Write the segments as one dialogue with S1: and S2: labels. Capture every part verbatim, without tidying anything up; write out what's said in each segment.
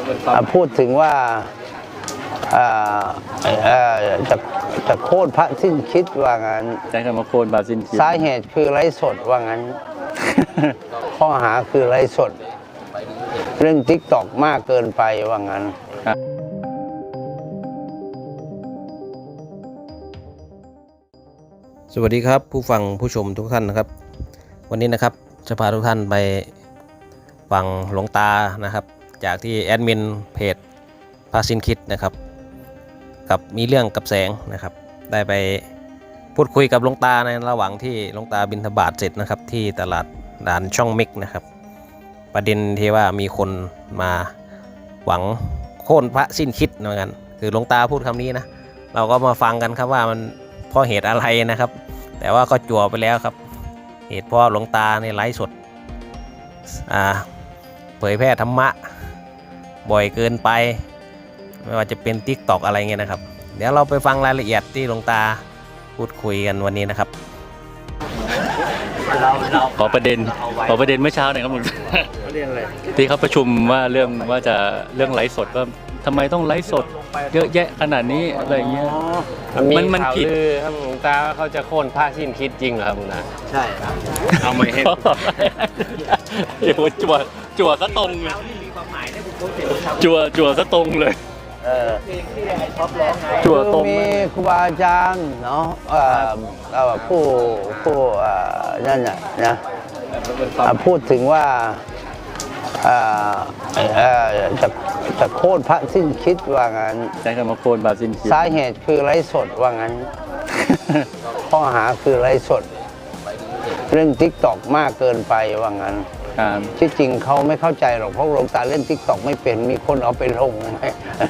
S1: พูดถึงว่าจะจะโค่นพระสิ้นคิดว่างั้น
S2: ใช้คำว่าโค่นพระสิ้นคิด
S1: สาเหตุคือไร้สดว่างั้น ข้อหาคือไร้สดเรื่องทิกตอกมากเกินไปว่างั้น
S3: สวัสดีครับผู้ฟังผู้ชมทุกท่านนะครับวันนี้นะครับจะพาทุกท่านไปฟังหลวงตานะครับจากที่แอดมินเพจพระสิ้นคิดนะครับกับมีเรื่องกับแสงนะครับได้ไปพูดคุยกับหลวงตาในระหว่างที่หลวงตาบิณฑบาตเสร็จนะครับที่ตลาดด่านช่องมิกนะครับประเด็นที่ว่ามีคนมาหวังโค่นพระสิ้นคิดเหมือนกันคือหลวงตาพูดคำนี้นะเราก็มาฟังกันครับว่ามันเพราะเหตุอะไรนะครับแต่ว่าก็จั่วไปแล้วครับเหตุเพราะหลวงตาในไลฟ์สดอ่าเผยแพร่ธรรมะบ่อยเกินไปไม่ว่าจะเป็น ติ๊กต็อก อะไรเงี้ยนะครับเดี๋ยวเราไปฟังรายละเอียดที่หลวงตาพูดคุยกันวันนี้นะครับ
S2: ขอประเด็นขอประเด็นเมื่อเช้าหน่อยครับหลวงตาประเด็นอะไรที่เขาประชุมว่าเรื่องว่าจะเรื่องไลฟ์สดว่าทำไมต้องไลฟ์สดเยอะแยะขนาดนี้อะไรเงี้ย
S4: มันมันผิดครับหลวงตาเขาจะโค่นพระสิ้นคิดจริงเหรอครับหลวงตา
S1: ใช่ครับ
S4: เอาไม่ให้
S2: เดี๋ยวจั่วจั่วซะตรงเลยจั่วจั่วซะตรงเลย
S1: จั่วตรงมีครูบาอาจารย์เนาะผู้ผู้นั่นน่ะนะพูดถึงว่าจะจะโค่นพระสิ้นคิดว่างั้น
S2: ใช้คำว่าโค่นพระสิ้นคิด
S1: สาเหตุคือไร้สดว่างั้น ข้อหาคือไร้สดเรื่องทิกตอกมากเกินไปว่างั้นที่จริงเขาไม่เข้าใจหรอกเพราะหลวงตาเล่นทิกตอกไม่เป็นมีคนเอาไปลงไง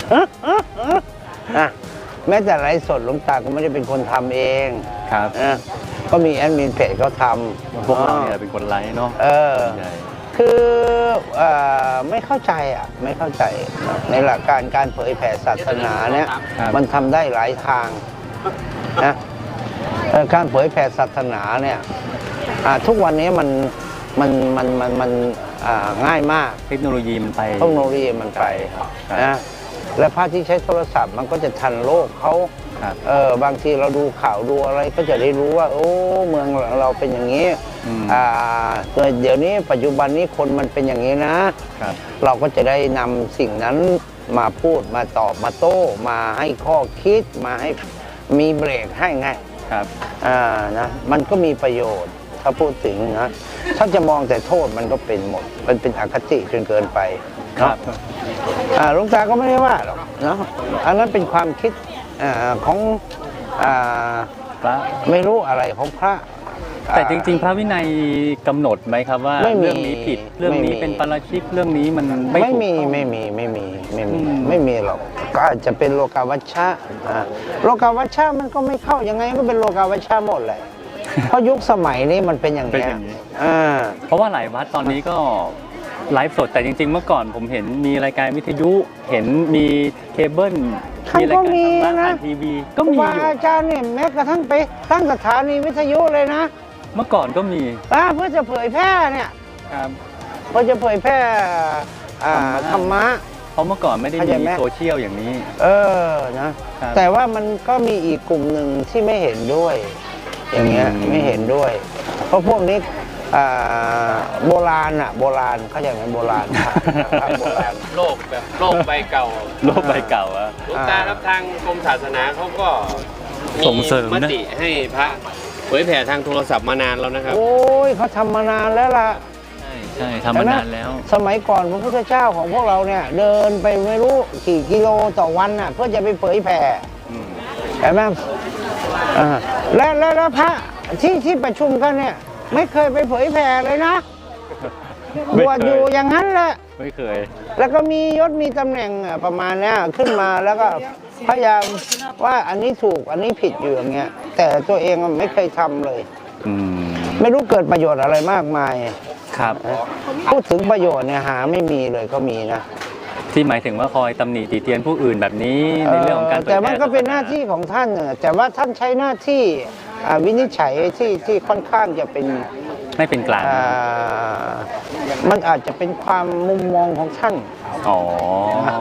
S1: แม้แต่ไลฟ์สดหลวงตาก็ไม่ได้เป็นคนทำเอง
S2: ครับ
S1: ก็มีแอดมินเพจเขาท
S2: ำพวกเราเนี่ยเป็นคนไลฟ์เนาะ
S1: เออคือไม่เข้าใจอ่ะไม่เข้าใจในหลักการการเผยแผ่ศาสนาเนี่ยมันทำได้หลายทางนะการเผยแผ่ศาสนาเนี่ยทุกวันนี้มันมันมันมันมันง่ายมาก
S2: เทคโนโลยีมันไป
S1: เทคโนโลยีมันไปนะและพระที่ใช้โทรศัพท์มันก็จะทันโลกเขาเออบางทีเราดูข่าวดูอะไรก็จะได้รู้ว่าโอ้เมืองเราเป็นอย่างนี้อ่าเดี๋ยวนี้ปัจจุบันนี้คนมันเป็นอย่างนี้นะเราก็จะได้นำสิ่งนั้นมาพูดมาตอบมาโต้มาให้ข้อคิดมาให้มีเบรกให้ไง
S2: ครับ
S1: อ่านะมันก็มีประโยชน์ถ้าพูดถึงนะถ้าจะมองแต่โทษมันก็เป็นหมดมันเป็นอคติจนเกินไปครับหลวงตาก็ไม่ได้ว่าหรอกเนาะอันนั้นเป็นความคิดของ
S2: พระ
S1: ไม่รู้อะไรของพระ
S2: แต่จริงๆพระวินัยกำหนดไหมครับว่าเรื่องนี้ผิดเรื่องนี้เป็นปาราชิกเรื่องนี้มัน
S1: ไม่มีไม่มีไม่มีไม่มีไม่มีหรอกก็อาจจะเป็นโลกาวัชชะโลกาวัชชะมันก็ไม่เข้ายังไงก็เป็นโลกาวัชชะหมดเลยเพราะยุคสมัยนี้มันเป็นอย่างนี้
S2: เพราะว่าหลายวัดตอนนี้ก็ไลฟ์สดแต่จริงๆเมื่อก่อนผมเห็นมีรายการวิทยุเห็นมีเคเบิล
S1: มีรายการทาง
S2: บ้านทีวีก็มีอยู่
S1: อาจารย์เนี่ยแม้กระทั่งไปตั้งสถานีวิทยุเลยนะ
S2: เมื่อก่อนก็มี
S1: เพื่อจะเผยแพร่เนี่ยเพื่อจะเผยแพร่ธรรมะ
S2: เพราะเมื่อก่อนไม่ได้มีโซเชียลอย่างนี้
S1: เออนะแต่ว่ามันก็มีอีกกลุ่มหนึ่งที่ไม่เห็นด้วยอย่างเงี้ยไม่เห็นด้วยเพราะพวกนี้โบราณอ่ะโบราณเขาอย่างไรโบราณ
S4: โบราณโลกแบบโลกใบเก่า
S2: โลกใบเก่าอะ
S4: หลวงตาครับทางกรมศาสนาเขาก็ส่งเสริมมติให้พระเผยแผ่ทางโทรศัพท์มานานแล้วนะครับ
S1: โอ้ยเขาทำมานานแล้วล่ะ
S2: ใช่ใช่ทำมานานแล้ว
S1: สมัยก่อนพระพุทธเจ้าของพวกเราเนี่ยเดินไปไม่รู้กี่กิโลต่อวันน่ะเพื่อจะไปเผยแผ่เห็นไหมและและพระที่ที่ประชุมกันเนี่ยไม่เคยไปเผยแผ่เลยนะบวชอยู่อย่างนั้นแหละ
S2: ไม่เคย
S1: แล้วก็มียศมีตำแหน่งประมาณนี้ขึ้นมาแล้วก็พยายามว่าอันนี้ถูกอันนี้ผิดอยู่อย่างเงี้ยแต่ตัวเองไม่เคยทำเลยไม่รู้เกิดประโยชน์อะไรมากมาย
S2: ครับ
S1: พูดถึงประโยชน์เนี่ยหาไม่มีเลยก็มีนะ
S2: ที่หมายถึงว่าคอยตำหนิติเตียนผู้อื่นแบบนี้ในเรื่องของการ
S1: แต่มันก็เป็นหน้าที่ของท่านแต่ว่าท่านใช้หน้าที่วินิจฉัยที่ที่ค่อนข้างจะเป็น
S2: ไม่เป็นกลาง
S1: มันอาจจะเป็นความมุมมองของท่าน
S2: อ๋อ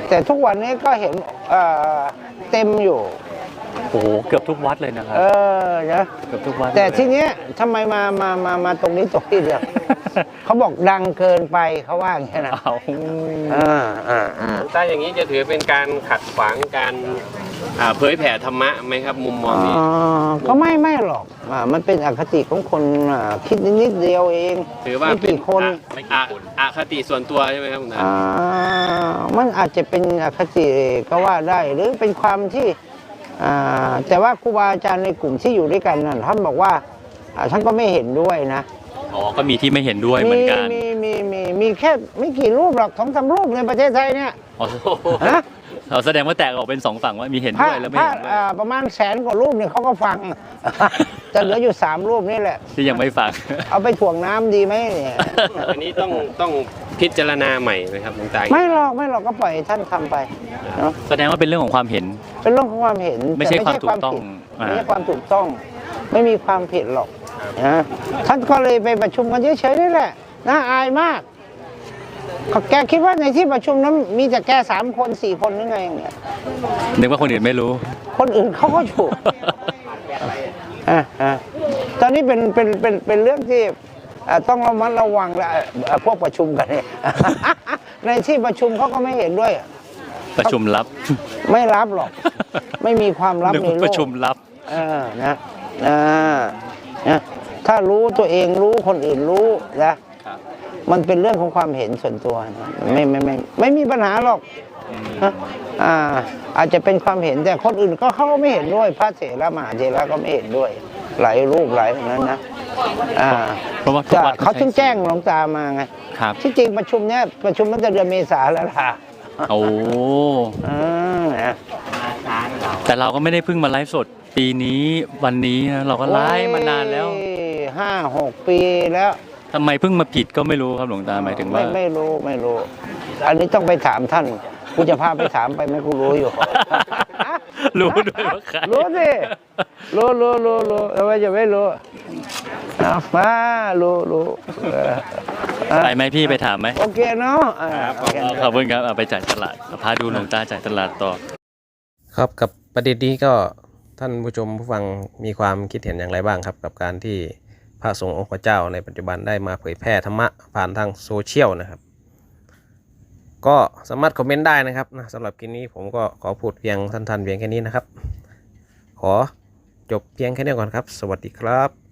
S1: แต่ทุกวันนี้ก็เห็นเอ่อเต็มอยู่
S2: โอ้โหเกือบทุกวัดเลยนะครับ
S1: เออนะ
S2: เกือบทุกวัด
S1: แต่ทีเนี้ยทำไมมามามามาตรงนี้ตรงที่เดียว เขาบอกดังเกินไปเขาว่าอย่างนี้นะ
S2: เอา
S1: อ่าอ่าอ่า
S4: ถ้าอย่างนี้จะถือเป็นการขัดขวางการอ่าเผยแผ่ธรรมะไหมครับ มุมมองนี้
S1: อ๋อก็ไม่ไม่หรอกอ่ามันเป็นอคติของคนอ่าคิดนิดๆเดียวเอง
S4: ถือว่า
S1: ไม่
S4: เป็น
S1: กี่คน
S4: อ่ะอ่ะอคติส่วนตัวใช่ไหมครับคุณตา
S1: อ่ามันอาจจะเป็นอคติก็ว่าได้ หรือเป็นความที่อ่าแต่ว่าครูบาอาจารย์ในกลุ่มที่อยู่ด้วยกันนั่นท่านบอกว่าอ่าท่านก็ไม่เห็นด้วยนะ
S2: อ๋อก็มีที่ไม่เห็นด้วยเหมือนกัน
S1: มีมีมีมีแค่ไม่กี่รูปหรอกสองสามรูปในประเทศไทยเนี่ย
S2: อ๋อ
S1: นะ
S2: เราแสดงว่าแตกออกเป็นสองฝั่งว่ามีเห็น
S1: พระ
S2: ด้วยและไม่
S1: พระ
S2: เห็นด้วย
S1: อ่าประมาณแสนกว่ารูปเนี่ยเขาก็ฟัง จะเหลืออยู่สามรูปนี่แหละ
S2: ที่ยังไม่ฟัง
S1: เอาไปถ่วงน้ำดีไหมเนี่ย
S4: อันนี้ต้องต้องพิจารณาใหม่ไหมครับคุณตา
S1: ไม่หรอกไม่หรอกก็ปล่อยให้ท่านทำไปเนาะ
S2: แสดงว่าเป็นเรื่องของความเห็น
S1: เป็นเรื่องของความเห็น
S2: ไม่ใช่
S1: แต่
S2: ความถูกต้อง
S1: ผิด
S2: อ่า
S1: ไม่ใช่ความถูกต้อง ไม่มีความผิดหรอกนะท่านก็เลยไปประชุมกันเฉยๆนี่แหละน่าอายมากเขาแกคิดว่าในที่ประชุมนั้นมีแต่แกสามคนสี่คนหรือไงเนี่ย
S2: นึกว่าคนอื่นไม่รู้
S1: คนอื่นเขาก็ถูก อ่ะอ่ะตอนนี้เป็นเป็นเป็นเป็นเรื่องที่อ่ะต้องระมัดระวังแหละอ่ะพวกประชุมกันเนี่ย ในที่ประชุมเขาก็ไม่เห็นด้วย
S2: ประชุมลับ
S1: ไม่รับหรอก ไม่มีความลับ
S2: นึก
S1: ใน
S2: ว่า
S1: โล
S2: ประ
S1: ก
S2: ชุมลับ
S1: เออนะอ่านะถ้ารู้ตัวเองรู้คนอื่นรู้นะครับ มันเป็นเรื่องของความเห็นส่วนตัวนะไม่ไม่ไม่ไม่มีปัญหาหรอกนะอ่า อาจจะเป็นความเห็นแต่คนอื่นก็เขาก็ไม่เห็นด้วยพระเถระมหาเถระก็ไม่เห็นด้วย หลายรูปหลายอย่างนั้นนะอ่า
S2: เพราะว่าทุก
S1: ก็
S2: วัด
S1: เขาถึงแจ้งหลวงตามาไง
S2: ครับ
S1: ที่จริงประชุมเนี้ยประชุมตั้งแต่เดือนเมษาแล้วล่ะ
S2: โอ้
S1: อ่านะ
S2: แต่เราก็ไม่ได้เพิ่งมาไลฟ์สดปีนี้วันนี้นะเราก็ไลฟ์มานานแล้ว
S1: โอ้ยห้าหกปีแล้ว
S2: ทำไมเพิ่งมาผิดก็ไม่รู้ครับหลวงตาหมายถึงว่า
S1: ไม่ไม่รู้ไม่รู้ อันนี้ต้องไปถามท่านกูจะพาไปถามไปไหมกูรู้อยู่
S2: รู้ด้วยว่าใคร
S1: รู้สิรู้รู้รู้รู้ทำไมจะไม่รู้เอามารู้รู้เอออ่ะ
S2: ไปไหมพี่ไปถามไหม
S1: โอเคเนาะอ่าโอเค
S2: ขอบคุณครับเอาไปจ่ายตลาดพาดูหลวงตาจ่ายตลาดต่อ
S3: ครับกับประเด็นนี้ก็ท่านผู้ชมผู้ฟังมีความคิดเห็นอย่างไรบ้างครับ กับการที่พระสงฆ์องค์พระเจ้าในปัจจุบันได้มาเผยแพร่ธรรมะผ่านทางโซเชียลนะครับ ก็สามารถคอมเมนต์ได้นะครับนะสำหรับคลิปนี้ผมก็ขอพูดเพียงสั้นๆเพียงแค่นี้นะครับ ขอจบเพียงแค่นี้ก่อนครับ สวัสดีครับ